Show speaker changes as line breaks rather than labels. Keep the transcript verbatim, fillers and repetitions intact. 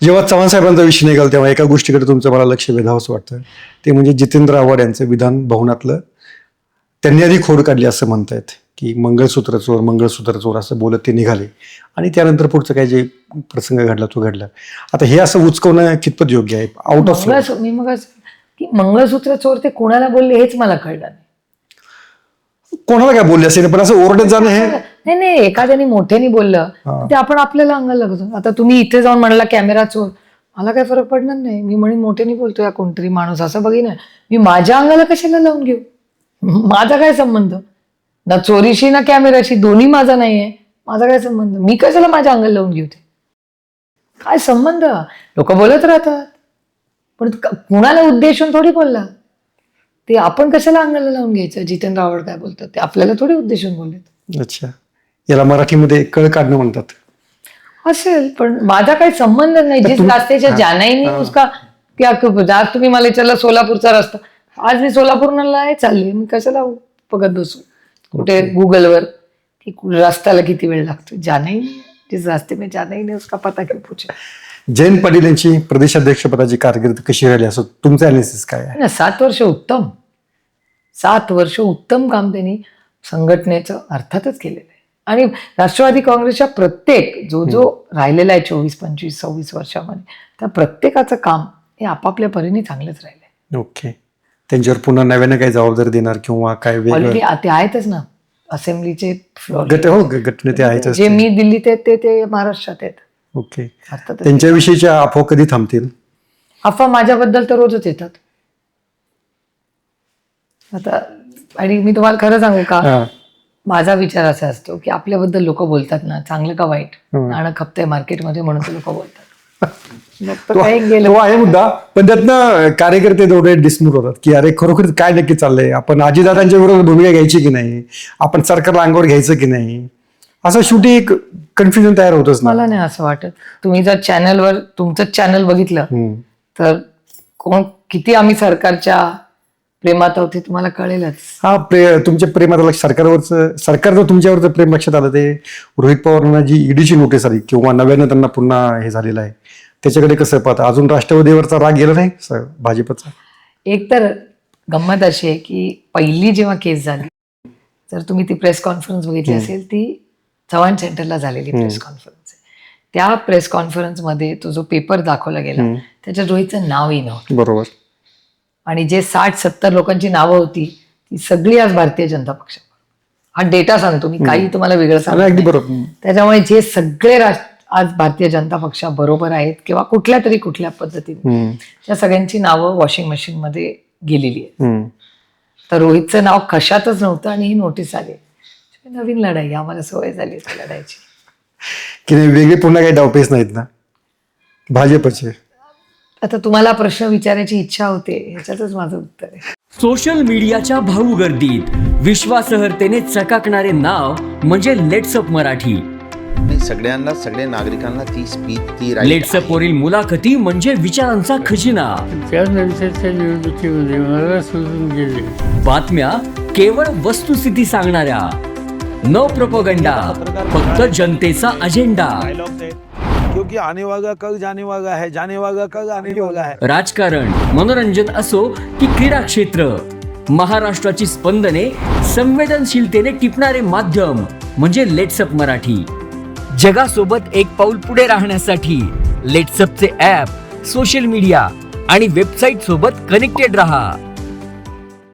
जेव्हा चव्हाण साहेबांचा विषय निघाला तेव्हा एका गोष्टीकडे तुमचं मला लक्ष वेधावंसं वाटतं, ते म्हणजे जितेंद्र आव्हाड यांचं विधान भवनातलं. त्यांनी आधी खोड काढली असं म्हणतायत की मंगळसूत्र चोर मंगळसूत्र चोर असं बोलत ते निघाले आणि त्यानंतर पुढचं काय जे प्रसंग घडला तो घडला. आता हे असं उचकवणं कितपत योग्य आहे? आउट ऑफ
मी मग की मंगळसूत्र चोर ते कोणाला बोलले हेच मला कळलं नाही.
कोणाला काय बोलले असेल पण असं ओरडत जाणं हे
नाही नाही एखाद्याने मोठ्याने बोललं ते आपण आपल्याला अंगाला लागतो. आता तुम्ही इथे जाऊन म्हणला कॅमेरा चोर, मला काय फरक पडणार नाही. मी म्हणून मोठ्याने बोलतो या कोणतरी माणूस असं बघी ना, मी माझ्या अंगाला कशाला लावून घेऊ? माझा काय संबंध ना चोरीशी ना कॅमेराशी, दोन्ही माझा नाहीये. माझा काय संबंध? मी कशाला माझ्या अंगाला लावून घेऊ? ते काय संबंध? लोक बोलत राहतात पण कुणाला उद्देशून थोडी बोलला. ते आपण कशाला अंगाला लावून घ्यायचं? जितेंद्र आव्हाड काय बोलतात ते आपल्याला थोडी उद्देशून बोलले.
अच्छा, याला मराठीमध्ये कळ काढणं म्हणतात
असेल, पण माझा काही संबंध नाही. जिस रास्त्याच्या जानाही नाही उसका क्या. आज तुम्ही मला विचारलं सोलापूरचा रस्ता, आज मी सोलापूरला चालले, मी कशाला बघत बसू कुठे गुगलवर की रस्त्याला किती वेळ लागतो? जानाही नाही, जिस रास्ते में जाना ही नहीं उसका पता क्यों पूछे.
जयंत पाटील यांची प्रदेशाध्यक्षपदाची कारकीर्द कशी राहिली असं तुमचं अनालिसिस काय आहे?
सात वर्ष उत्तम सात वर्ष उत्तम काम त्यांनी संघटनेचं अर्थातच केलेलं आहे. आणि राष्ट्रवादी काँग्रेसच्या प्रत्येक जो जो राहिलेला आहे चोवीस पंचवीस सव्वीस वर्षामध्ये, त्या प्रत्येकाचं काम हे आपापल्या परीने चांगलंच राहिलंय.
ओके, त्यांच्यावर पुन्हा नव्यानं काही जबाबदारी देणार किंवा काय
ऑलरेडी ते आहेतच ना असेंब्लीचे
गट हो गट नेते आहेत
जे मी दिल्लीत आहेत ते ते महाराष्ट्रात आहेत.
ओके, त्यांच्याविषयीच्या अफवा कधी थांबतील?
अफवा माझ्याबद्दल तर रोजच येतात. आता आणि मी तुम्हाला खरं सांगू का, माझा विचार असा असतो की आपल्याबद्दल लोक बोलतात ना, चांगलं का वाईट, नाणं खपतंय मार्केटमध्ये म्हणून लोक बोलतात.
तो आहे मुद्दा, पण त्यातनं कार्यकर्ते तेवढे डिसमूर होतात की अरे खरोखर काय नक्की चाललंय, आपण आजीदादांच्या विरोधात भूमिका घ्यायची की नाही, आपण सरकारला अंगावर घ्यायचं की नाही, असं शेवटी एक कन्फ्युजन तयार होतच.
मला नाही असं वाटत. तुम्ही जर चॅनलवर तुमचं चॅनल बघितलं तर कोण किती आम्ही सरकारच्या प्रेमात आहोत ते तुम्हाला कळेलच.
हा, प्रे तुमच्या प्रेमात सरकारवरचं सरकारचं तुमच्यावरचं प्रेम लक्षात आलं ते रोहित पवारांना जी ईडीची नोटीस आली किंवा नव्यानं त्यांना पुन्हा हे झालेलं आहे त्याच्याकडे कसं पाहता? अजून राष्ट्रवादीवरचा राग गेला नाही भाजपचा?
एक तर गंमत अशी आहे की पहिली जेव्हा केस झाली, जर तुम्ही ती प्रेस कॉन्फरन्स बघितली असेल, ती चव्हाण सेंटरला झालेली प्रेस कॉन्फरन्स. त्या प्रेस कॉन्फरन्समध्ये तो जो पेपर दाखवला गेला त्याच्यात रोहितचं नावही नव्हतं.
बरोबर. आणि
जे साठ सत्तर लोकांची नावं होती ती सगळी आज भारतीय जनता पक्ष. हा डेटा सांगतो मी, काही तुम्हाला वेगळं सांगतो. त्याच्यामुळे जे सगळे आज भारतीय जनता पक्षाबरोबर आहेत किंवा कुठल्या तरी कुठल्या पद्धतीने, त्या सगळ्यांची नावं वॉशिंग मशीन मध्ये गेलेली आहेत. तर रोहितचं नाव कशातच नव्हतं आणि ही नोटीस आली. नवीन लढाई, आम्हाला सवय झाली लढायची
की नाही, वेगळे पुन्हा काही डावपेच नाहीत ना भाजपचे.
आता तुम्हाला प्रश्न विचारायची इच्छा होते, ह्याच्यातच माझं उत्तर आहे.
सोशल मीडियाच्या भाऊ गर्दीत विश्वासार्हतेने चकाकणारे नाव म्हणजे लेट्सअप मराठी.
सगळ्यांना सगळ्या नागरिकांना ती स्पीच ती
लेट्सअप वरील मुलाखती म्हणजे विचारांचा खजिना.
त्यानंतरच्या निवडणुकीमध्ये मला सोडून गेले.
बातम्या केवळ वस्तुस्थिती सांगणाऱ्या, न प्रोपगंडा, फक्त जनतेचा अजेंडा.
क्योंकि आने वाला कल जाने वाला है, जाने वाला कल आने वाला है.
राजकारण, मनोरंजन असो की क्रीडा क्षेत्र, महाराष्ट्राची स्पंदने संवेदनशीलतेने टिपणारे माध्यम म्हणजे लेट्सअप मराठी. जगासोबत एक पाऊल पुढे राहण्यासाठी लेट्सअपचे ॲप, सोशल मीडिया आणि वेबसाईट सोबत कनेक्टेड रहा.